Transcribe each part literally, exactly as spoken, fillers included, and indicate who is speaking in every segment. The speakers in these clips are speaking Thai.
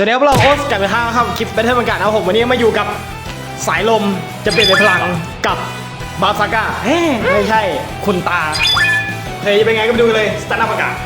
Speaker 1: วัสดีครับเราโอ๊ตกลับไปข้างครับคลิปแบทเทิลบรรยากาศนะครับผมวันนี้มาอยู่กับสายลมจะเปลี่ยนเป็นพลังกับบาซาก้าเฮ้ไม่ใช่คุณตาเฮ้ยจะเป็นไงก็ไปดูกันเลยสตาร์ทอัพอากาศ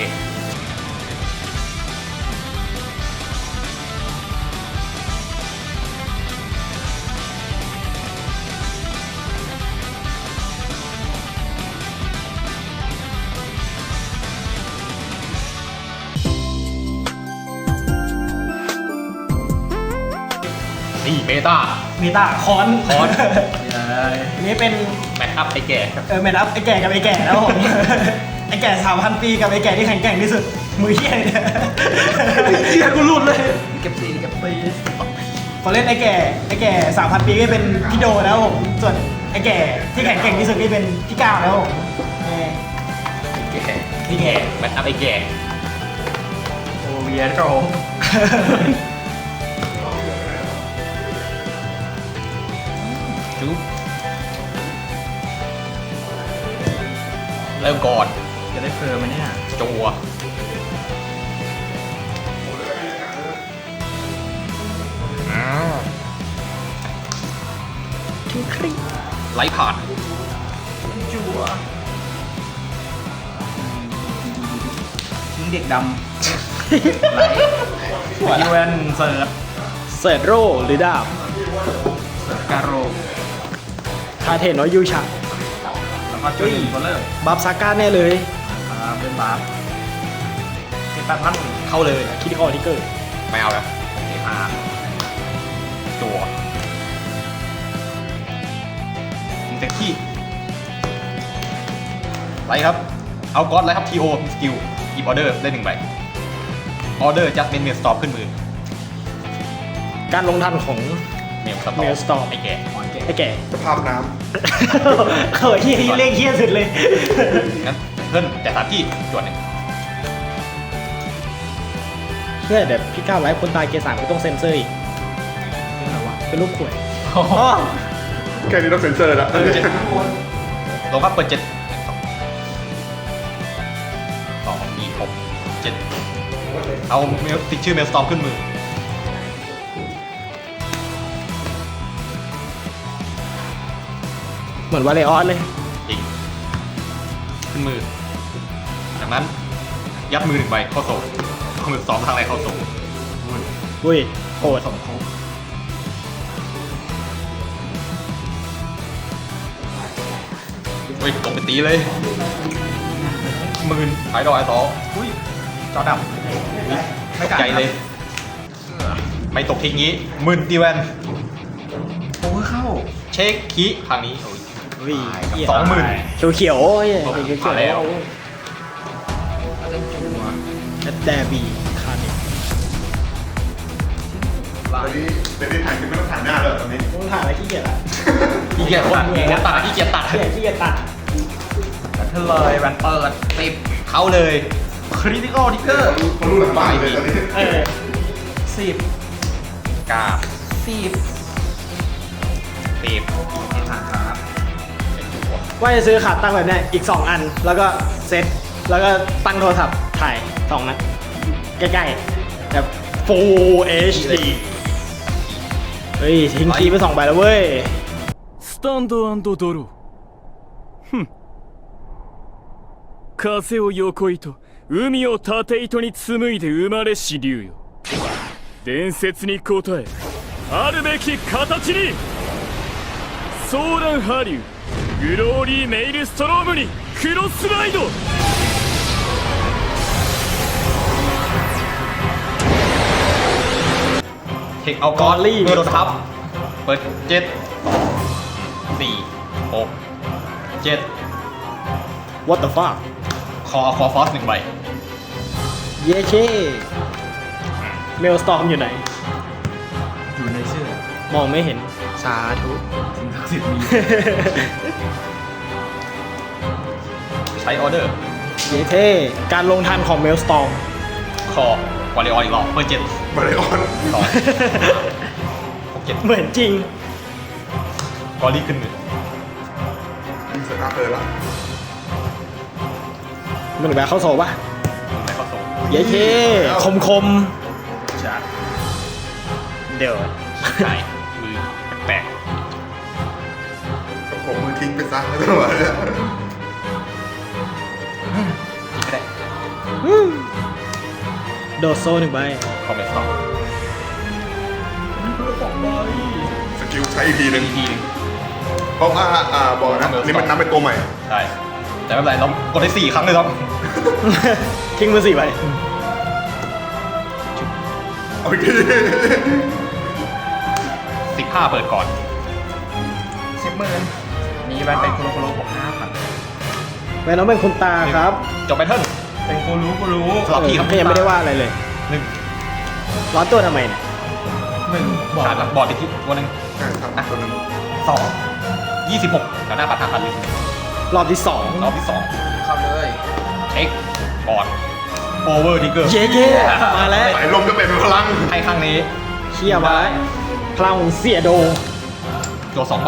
Speaker 2: นี่เมตา
Speaker 1: เมตาคอน
Speaker 2: คอน
Speaker 1: อันนี้เป็น
Speaker 2: แมทอัพไอแก่ครับ
Speaker 1: เออแมนอัพไอแก่กับไอแก่นะครับผมไอแก่สามพันปีกับไอแก่ที่แข็งแกร่งที่สุดมือเหี้ยเนี่ยเหี้ยกูหลุดเลยเก็บซีเก็บซีพอเล่นไอแก่ไอแก่สามพันปีก็เป็นพี่โดนะครับผมส่วนไอแก่ที่แข็งแกร่งที่สุดนี่เป็นพี่ก้าวนะครับผมนี่
Speaker 2: แก่
Speaker 1: พี่แก่
Speaker 2: แมทอัพไอแก่
Speaker 1: โอเวียโร
Speaker 2: จุ๊บเริ่มก่อน
Speaker 1: จะได้เฟิร์มมั้ยเนี่ย
Speaker 2: จัวอ้าวไล่ผ่าน
Speaker 1: จัว
Speaker 3: ทิ้งเด็กด
Speaker 1: ไลท์ยูเอ็นเสิร์ฟเสิร์ฟโรหรือดาบ
Speaker 3: ำการโร
Speaker 1: คาเทนน้อยยูชา
Speaker 3: แล้วก็จุดหนึ่งตัวเริ่ม
Speaker 1: บัฟซาก้าแน่เลย
Speaker 3: อ่าเป็นบาร์สิบแปดพัน
Speaker 2: เข้าเลย
Speaker 1: คิดคอทิกเกอร์
Speaker 2: ไม่เอาแล้ว
Speaker 3: เอพาร์
Speaker 2: จัวยิงเต็มที่ไล่ครับ เอาก๊อตไล่ครับทีโอสกิลหยิบออเดอร์ได้หนึ่งใบออเดอร์จัสเมนเมลสตอปขึ้นมือ
Speaker 1: การลงทันของ
Speaker 2: เมลสตอป
Speaker 1: Maelstrom
Speaker 2: ไอแก่
Speaker 1: ไอ้แก่
Speaker 4: สภาพน้
Speaker 1: เขินที่เลขเฮี้ยสุดเลย
Speaker 2: งั้นเพิ่นแต่สามที่จวดหนึ่ง
Speaker 1: เพื่อเดี๋ยวพี่ก้าวไลฟ์คนตายเกียร์สามก็ต้องเซ็นเซอร์อีกเป็นรูปขวด
Speaker 4: ำแค่นี้ต้องเซ็นเซอร์แล้ว
Speaker 2: ลงครับเปิดเจ็ดสองอีหกเจ็ดเอาเมลติดชื่อเมลสตอมขึ้นมือ
Speaker 1: เหมือนวาเลออนเลย
Speaker 2: จริงขึ้นมือจากนั้นยัดมือหนึ่งใบเข้าโซ่เอามือสองทางไรเข้าโซ่
Speaker 1: อุ้ยโหด
Speaker 3: สมทบ
Speaker 2: เฮ้ยตกไปตีเลยหมื่นขายดอกไอ้ต่อ
Speaker 3: อุ้ยจอดับ
Speaker 2: ไม่ใจเลย ไม่ตกทิ้งงี้หมื่นตีแวน
Speaker 3: โอ้เข้า
Speaker 2: เช็คคีครั้งนี้โอ้ย
Speaker 1: อุ้ย
Speaker 2: สองหมื่น
Speaker 1: เขียวเขียวๆโอ้ยเขียวเขียว
Speaker 2: มาแล้ว
Speaker 3: เริ่มจัว
Speaker 1: แดบีคาร์นิ
Speaker 3: ไล่
Speaker 4: ตอนนี้เดี๋ยวนี้ถ่ายคือไม่ต้องถ่ายหน้าเลยตอนนี้
Speaker 1: ต้องถ่ายอะไรขี้เกียจอะ
Speaker 2: ขี้เกียจตัดขี้เกียจตัดขี้เกียจตัด
Speaker 1: ขี้เกียจขี้เกียจตัด
Speaker 3: แบทเทิลเลยแวนเปิดติด
Speaker 2: เข้าเลย
Speaker 3: คริติคอลทิกเกอร์
Speaker 4: เขารู้หลังบ้านเลยตอนนี้
Speaker 1: เออ
Speaker 3: สิบ
Speaker 2: กาบ
Speaker 3: สิบ
Speaker 2: ตีบ
Speaker 3: เอพาร์ครับ
Speaker 2: เป็นตัว
Speaker 1: ว่าจะซื้อขาตั้งแบบเนี้ยอีกสองอันแล้วก็เซ็ตแล้วก็ตั้งโทรศัพท์ถ่ายสองนัดใกล้ๆแบบ Full เอช ดี เฮ้ยทิ้งคีย์ไปสองใบแล้วเว้ย
Speaker 5: スタンドドローふん風を横糸海を縦糸に紡いで生まれし竜よ伝説に応えあるべき形にソーランハリューグローリーメイルストロームにクロスライド
Speaker 2: เทคเอากอนเมื่อโดนทับ เปิดเจ็ดสี่หกเจ็ด
Speaker 1: What the fuck
Speaker 2: คอคอฟอสหนึ่งใบ
Speaker 1: เย้เช่เมลสตอมอยู่ไหน
Speaker 3: อยู่ในชื่อ
Speaker 1: มองไม่เห็น สาธุ
Speaker 3: สิ่งศักดิ์สิทธิ์มี
Speaker 2: ใช้ออเดอร์
Speaker 1: เย้เท่การลงทันของเมลสตอม
Speaker 2: คอวอลเลย์ออนอีกรอบเปิดเจ็ด
Speaker 4: มาเลยออน
Speaker 2: สองหกเจ็ด
Speaker 1: เหมือนจริง
Speaker 2: กอรี่ขึ้นมือ
Speaker 4: มีสตาร์เตอร์ละ
Speaker 1: มันแบบเข้าโซ่ปะ
Speaker 2: ไม่เข้าโซ่
Speaker 1: เย้เท่คมคม
Speaker 3: จัด
Speaker 1: เดี๋ยว
Speaker 2: ใช่มือแปลก
Speaker 4: ผมมือทิ้งไปซะไม่ต้องมาเนี่ย
Speaker 2: ๆคิดไม่ได้
Speaker 1: โดดโซ่หนึ่งใบ
Speaker 2: คอมเมนต์สอง
Speaker 4: สกิลใช้อีกทีห
Speaker 2: เป็
Speaker 4: นึ
Speaker 2: น
Speaker 4: ง
Speaker 2: อีกทีหนึง
Speaker 4: เพราะว่าอ่าบอกนะนี่มันนับเป็นตัวใหม่
Speaker 2: ใช่แต่ไม่เป็นไรเรากดได้สี่ครั้งเลยครับ
Speaker 1: ทิ้งมือสี่ใบ
Speaker 4: เอาอีกที
Speaker 2: สิบห้าเปิดก่อน
Speaker 3: สิบหมื่นมีแวนเป็นโคโลโคโลบวกห้าพัน
Speaker 1: แม่น้องเป็นคนตาครับ
Speaker 2: จบแบทเทิล
Speaker 3: เป็นกูรู้กูรู้
Speaker 2: สลับที่ครับ
Speaker 1: ก็ยังไม่ได้ว่าอะไรเลย
Speaker 2: หนึ่ง
Speaker 1: ร้อนตัวทำไมเนี่ย
Speaker 3: หนึ่งบอก
Speaker 2: ขาดบอร์ดอีกทีตัวหนึ่ง
Speaker 4: ใช่ครับตัวหนึง
Speaker 2: สองยี่สิบหกแถวหน้าปัดห้าพันเลย
Speaker 1: รอบที่สอง
Speaker 2: รอบที่สอง
Speaker 3: เข้าเลย
Speaker 2: เช็คบอร์ดโอเวอร์ทิกเกอร์
Speaker 1: เย้เย้มาแล้ว
Speaker 4: สายลมก็เป็นพลัง
Speaker 2: ให้ข้างนี้
Speaker 1: เชี่ยมาแล้วพลังของเสียโด
Speaker 2: ตัวสองใบ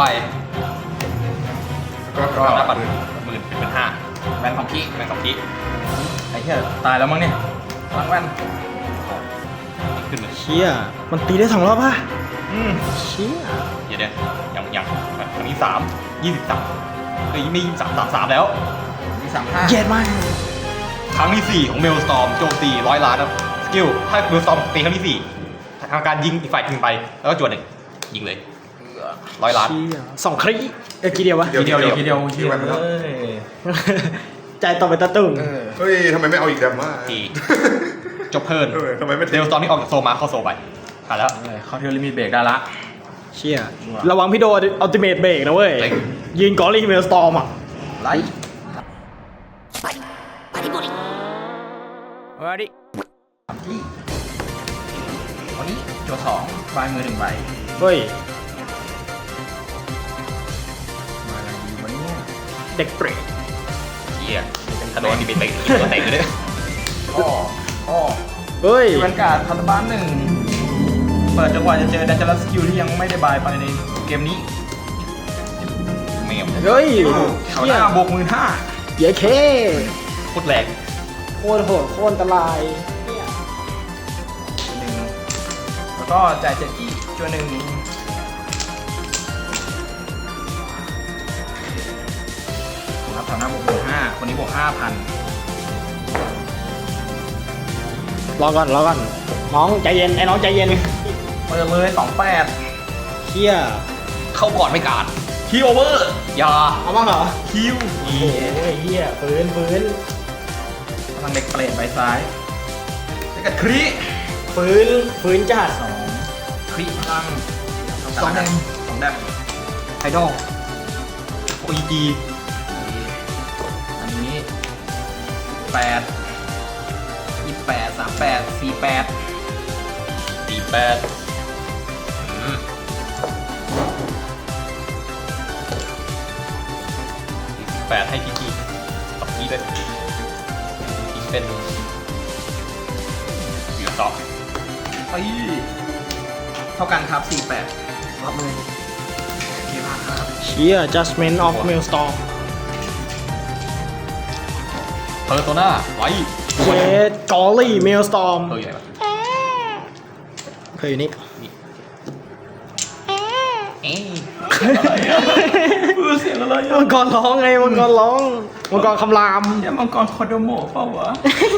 Speaker 4: ก็
Speaker 2: แถวหน้าปัดหมื่นเป็นห้า
Speaker 3: แวนของพี่
Speaker 2: แม่งสองที
Speaker 3: ไอ้เหี้ยตายแล้วมั้งเนี่ยพลังแวน
Speaker 2: ขึ้นเลย
Speaker 1: เชี่ยมันตีได้สองรอบป่ะ
Speaker 2: อืม
Speaker 1: เชี่ย
Speaker 2: เดี๋ยวเดี๋ยวยังยังอันนี้สามยี่สิบสามเฮ้ยไม่ยี่สิบสามสามสามแล้ว
Speaker 3: มีสามห้า
Speaker 1: เย็ดมาก
Speaker 2: ครั้งที่สี่ของเมลสตอมโจมตีร้อยล้านครับสกิลถ้าเมลสตอมตีครั้งที่สี่ทำการยิงอีกฝ่ายยิงไปแล้วก็จวดหนึ่งยิงเลยร้อยล้าน
Speaker 1: เชี่ยสองครีเอ้ยกี่เดียววะ
Speaker 2: ทีเดียว
Speaker 3: ทีเดียวที
Speaker 4: ที่
Speaker 3: เดียว
Speaker 4: แวนไปแล้ว
Speaker 3: เลย
Speaker 1: ใจต่อไปตะตุ่ม
Speaker 3: เออ
Speaker 4: เฮ้ยทำไมไม่เอาอีกแดมมา
Speaker 2: ทีจบเพิร์น
Speaker 4: เออทำไมไม่
Speaker 2: เมลสตอมนี่ออกจากโซมาเข้าโซไปผ่านแล้ว
Speaker 3: เออเข้าเทอร์ลิมิตเบรกได้ละ
Speaker 1: เชี่ยระวังพี่โดอัลติเมทเบรกนะเว้ย
Speaker 2: เฮ้ย
Speaker 1: ยืนกอรี่เมลสตอมอ่ะ
Speaker 3: ไลท์วาดิที่วันนี้จัวสองใบมือหนึ่งใบ
Speaker 1: เฮ้ย
Speaker 3: มาอะไรดีวันนี้
Speaker 1: เด็กเปรต
Speaker 2: เฮียถ้าโดนนี่เป็นเตะตัวเตะเลยเนี่ย
Speaker 3: อ้ออ้อ
Speaker 1: เฮ้ย
Speaker 3: แวนการ์ดพันธบ้านหนึ่งเปิดจังหวะจะเจอดันเจอร์สกิลที่ยังไม่ได้บายไปในเกมนี้
Speaker 2: เมล
Speaker 1: เฮ้ย
Speaker 3: เขา
Speaker 1: เชี่
Speaker 3: ห
Speaker 1: ย
Speaker 3: น้าบวกมือห้า
Speaker 1: เย้เค
Speaker 2: โคตรแรง
Speaker 1: โคตรโหดโคตรอันตรายเนี่ย
Speaker 3: หนึ่งแล้วก็จ่ายเจ็ดที่จัวหนึ่งรับแถวหน้าบวกมือห้าคนนี้บวกห้าพัน
Speaker 1: รอก่อนรอก่อนน้องใจเย็นไอ้น้องใจเย็น
Speaker 3: เปิดเลยสองแปด
Speaker 1: เชี่ย
Speaker 2: เข้าก่อนไม่การ
Speaker 3: คีโอเวอร์
Speaker 2: ยา
Speaker 1: เอาบ้างเหรอ
Speaker 3: คิว
Speaker 1: โอ้โหเฮียฟื้นฟื้น
Speaker 3: พลังเด็กเปลดใบซ้ายแล้วก็ครี
Speaker 1: ฟื้นฟื้นจัด
Speaker 3: สองครีพลัง
Speaker 1: สองแดม
Speaker 3: สองแดม
Speaker 1: ไอดอล
Speaker 2: โอจี
Speaker 3: อันนี้แปดยี่แปดสามแปดสี่แปด
Speaker 2: สี่แปดอืมแปดให้พีจีตบกี้ด้วยพีเป็นเหลือสอง
Speaker 3: เอ้ยเท่ากันครับสี่แปด
Speaker 1: รับมือ
Speaker 3: เยี่ยมมากครับ
Speaker 1: เชี่ย judgment of mailstorm
Speaker 2: เพอร์โซนาไว้
Speaker 1: เจดกอรี่ mailstorm
Speaker 2: เออใหญ่ปะ
Speaker 1: เคยอยู่นี่
Speaker 2: เอ๊ะ
Speaker 3: เสียงอะไร
Speaker 1: มังกรร้องไงมังกรร้องมังกรคำราม
Speaker 3: เนี่ยมังกรคอโดโมะเปล่าวะ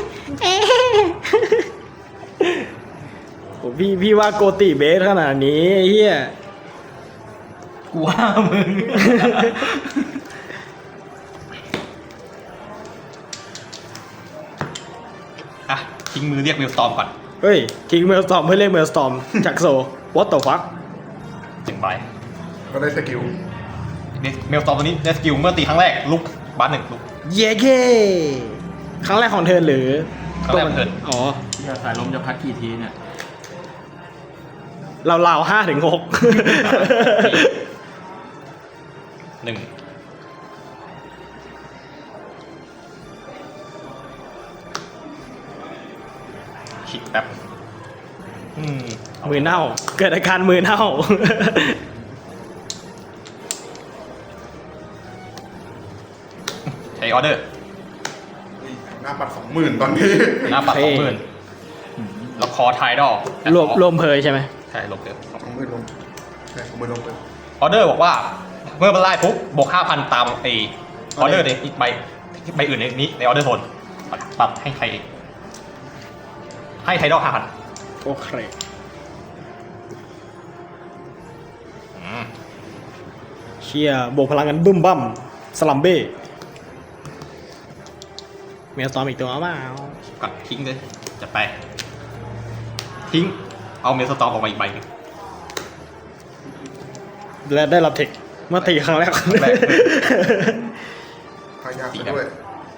Speaker 1: โอ้พี่พี่ว่าโกติเบสขนาดนี้ไอ้เฮีย
Speaker 3: กูว่ามึง
Speaker 2: อ่ะทิ้งมือเรียกเมลสตอมก่อน
Speaker 1: เฮ้ยทิ้งเมลสตอมเพื่อเรียกเมลสตอมจากโซ what the fuck
Speaker 2: จึงไป
Speaker 4: ก็ได้สกิล
Speaker 2: เมลสตอมตัวนี้ได้สกิลเมื่อตีครั้งแรกลุกบ้านหนึ่งลุก
Speaker 1: เย้เคครั้งแรกของเธอหรือ
Speaker 2: ครั้งแรกของเธอ
Speaker 1: อ๋อ
Speaker 3: สายลมจะพัดกี่ทีเนี่ย
Speaker 1: เราเราห้าถึงหก
Speaker 2: หนึ่งคิดแป๊บอืม
Speaker 1: มือเน่า เกิดอาการมือเน่า
Speaker 2: ใช้ออเดอร์
Speaker 4: หน้าปัดสองหมื่นตอนนี้
Speaker 2: หน้าปัด
Speaker 1: โอ
Speaker 2: ส
Speaker 1: เค
Speaker 2: องหมื่นแล้วคคอไทดอล
Speaker 1: รวมรวมเพยใช่ไหม
Speaker 2: ใช่ลบเกิน
Speaker 4: ของมือลงใช่ของมือลงไป
Speaker 2: ออเดอร์บอกว่าเมื่อมันไล่ปุ๊บบวกห้าพันตามไอออเดอร์ในอีกใบใบอื่นในนี้ในออเดอร์โซนปรับให้ใครเองให้ไทดอลห้าพัน
Speaker 1: โอเคเชียบวกพลังกันบึ้มบั้มสลัมเบ้เมียสตอมอีกตัวเปล่า
Speaker 2: กัดทิ้งเลยจะไป ทิ้งเอาเมลสตอมออกมาอีกใบหนึง
Speaker 1: และได้รับเทคเมื่อตีครั้งแรก
Speaker 2: ครั้งแรก
Speaker 4: ทายากซะด้วย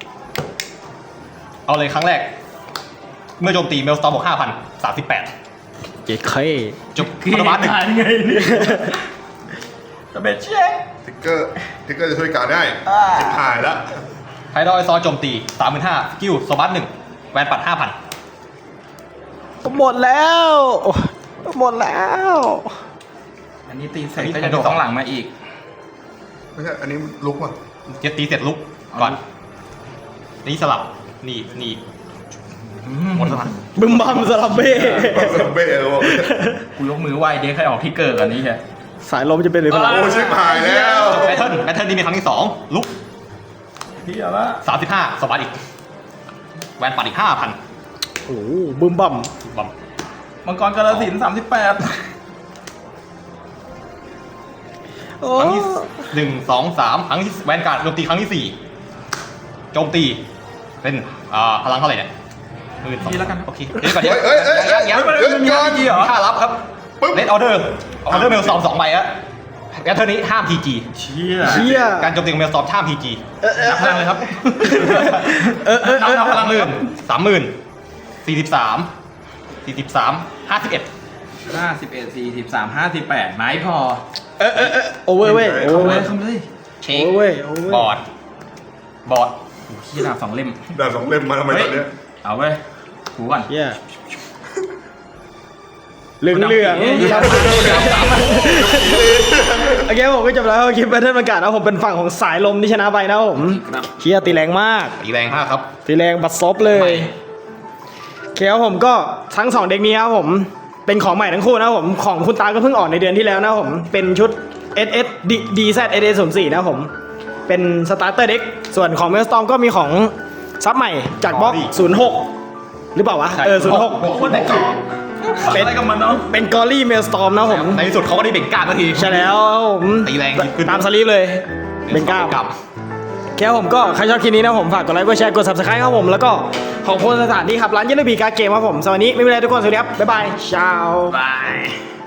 Speaker 2: เอาเลยครั้งแรก เมื่อโจมตีเมลสตอมบวกห้าพันสามสิบแปด
Speaker 1: เจ๊เค
Speaker 2: จบคาร์บานหนึ่ง
Speaker 3: ไงเนี่ยตะเบ็ดเช็ค
Speaker 4: ทิกเกอร์ทิกเกอร์จะช่วยการได้ชิบหายแล้ว
Speaker 2: ไทดอลไอซอโจมตีสามหมื่นห้าสกิลโซบัสหนึ่งแวนปัดห้าพัน
Speaker 1: หมดแล้วหมดแล้ว
Speaker 3: อันนี้ตีเสร็จก็จะโดนสองหลังมาอีก
Speaker 4: ไม่ใช่ อันนี้ลุกว่ะ
Speaker 2: จะตีเสร็จลุกก่อนนี่สลับนี่นี่หมดสลับ
Speaker 1: บึ้มบั้มสลัมเบ้
Speaker 4: เบ้เลยบอก
Speaker 3: กูยกมือไหว้เด็กให้ออกที่เกิดกันนี้ใช่
Speaker 1: สายลมจะเป็นหรือเปล่า
Speaker 4: โอ้ชิบหายแล้ว
Speaker 2: แบทเทิลแบทเทิลนี่มีครั้งที่สองลุก
Speaker 3: พี่อะละ
Speaker 2: สามสิบห้าสวัสดอีกแวนปัดอีกห้าพัน
Speaker 1: โอ้โหบึ้มบั้ม
Speaker 2: บอม
Speaker 3: มังกรกาลสินสามสิบแปด
Speaker 1: โอ้
Speaker 2: ครั้งที่หนึ่งสองสามครั้งที่แวนการ์ดโจมตีครั้งที่สี่โจมตีเป็นอ่าพลังเท่าไหร่เนี่ยหมื่นสองโอเคเดี๋ยวก่อนเดี๋ยว
Speaker 4: เอ้ยเอ้ยเอ้ย
Speaker 2: ยังยัง
Speaker 4: เอ้ย
Speaker 2: มี
Speaker 4: ก่อน
Speaker 2: มีค่ารับครับ
Speaker 4: ปึ๊บ
Speaker 2: เลดออเดอร์ออเดอร์เมลสองสองใบอะแบทเทิลนี้ห้ามพีจี
Speaker 3: เชี่ย
Speaker 1: เชี่ย
Speaker 2: การโจมตีของเมลสองห้ามพีจี
Speaker 3: นับพลังเลยครับ
Speaker 1: เออเออเออ
Speaker 3: นับพลัง
Speaker 2: หมื่นสามหมื่นสี่สิบสามสี่สิบสามห้าสิบเอ็ด
Speaker 3: ห้าสิบเอ็ดสี่สิบสามห้าสิบแปดไม้พอ
Speaker 1: เออเออเออโอเวอร์เว้ยโอ
Speaker 3: เข้า
Speaker 1: เว
Speaker 3: เล
Speaker 1: อย ร์
Speaker 3: เข้าเลย
Speaker 2: เช็
Speaker 1: โอ
Speaker 2: ค
Speaker 1: เวอร์เว้ยโอเวอร์
Speaker 2: บอร์ดบอร์ด
Speaker 3: ที่ดาบสองเล่ม
Speaker 4: ดาบสองเล่มมาทำไมตอนเนี้ย
Speaker 3: เอาเว้ยถูก่อน
Speaker 1: เชี่ยเหลืองเหลือง
Speaker 3: เอ๊ะ
Speaker 1: โอเคผมก็จบแล้วคลิปแบทเทิลประกาศนะผมเป็นฝั่งของสายลมที่ชนะไปนะผม
Speaker 3: ครับ
Speaker 1: เชี่ยตีแรงมาก
Speaker 2: ตีแรงมากครับ
Speaker 1: ตีแรงบัดซบเลยโอเคครับผมก็ทั้งสองเด็กนี้ครับผมเป็นของใหม่ทั้งคู่นะครับผมของคุณตาก็เพิ่งออกในเดือนที่แล้วนะครับผมเป็นชุด เอส เอส ดี แซด เอส เอส ศูนย์สี่นะครับผมเป็นสตาร์เตอร์เด็กส่วนของเมลสตอมก็มีของซับใหม่จากบล็อกศูนย์หกหรือเปล่าวะเออศูนย์หก
Speaker 3: คนไหนก่อนเป็นอะไรกับมันเนาะ
Speaker 1: เป็นกอรี่เมลสตอมนะครับผม
Speaker 2: ในที่สุดเขาก็ได้เบ่งกล้าสักที
Speaker 1: ใช่แล้วครับผม
Speaker 2: ตีแรงขึ้น
Speaker 1: ตามสลีปเลยเป็นก้าว
Speaker 2: กับ
Speaker 1: แค่ผมก็ใครชอบคลิปนี้นะผมฝากกดไลค์กดแชร์กด ซับสไครบ์ครับผมแล้วก็ของโพสต์สถานที่ครับร้านเยลโลบีการ์ดเกมครับผมสวัสดีไม่มีอะไรทุกคนสวัสดีครับบ๊ายบายชาว
Speaker 3: บาย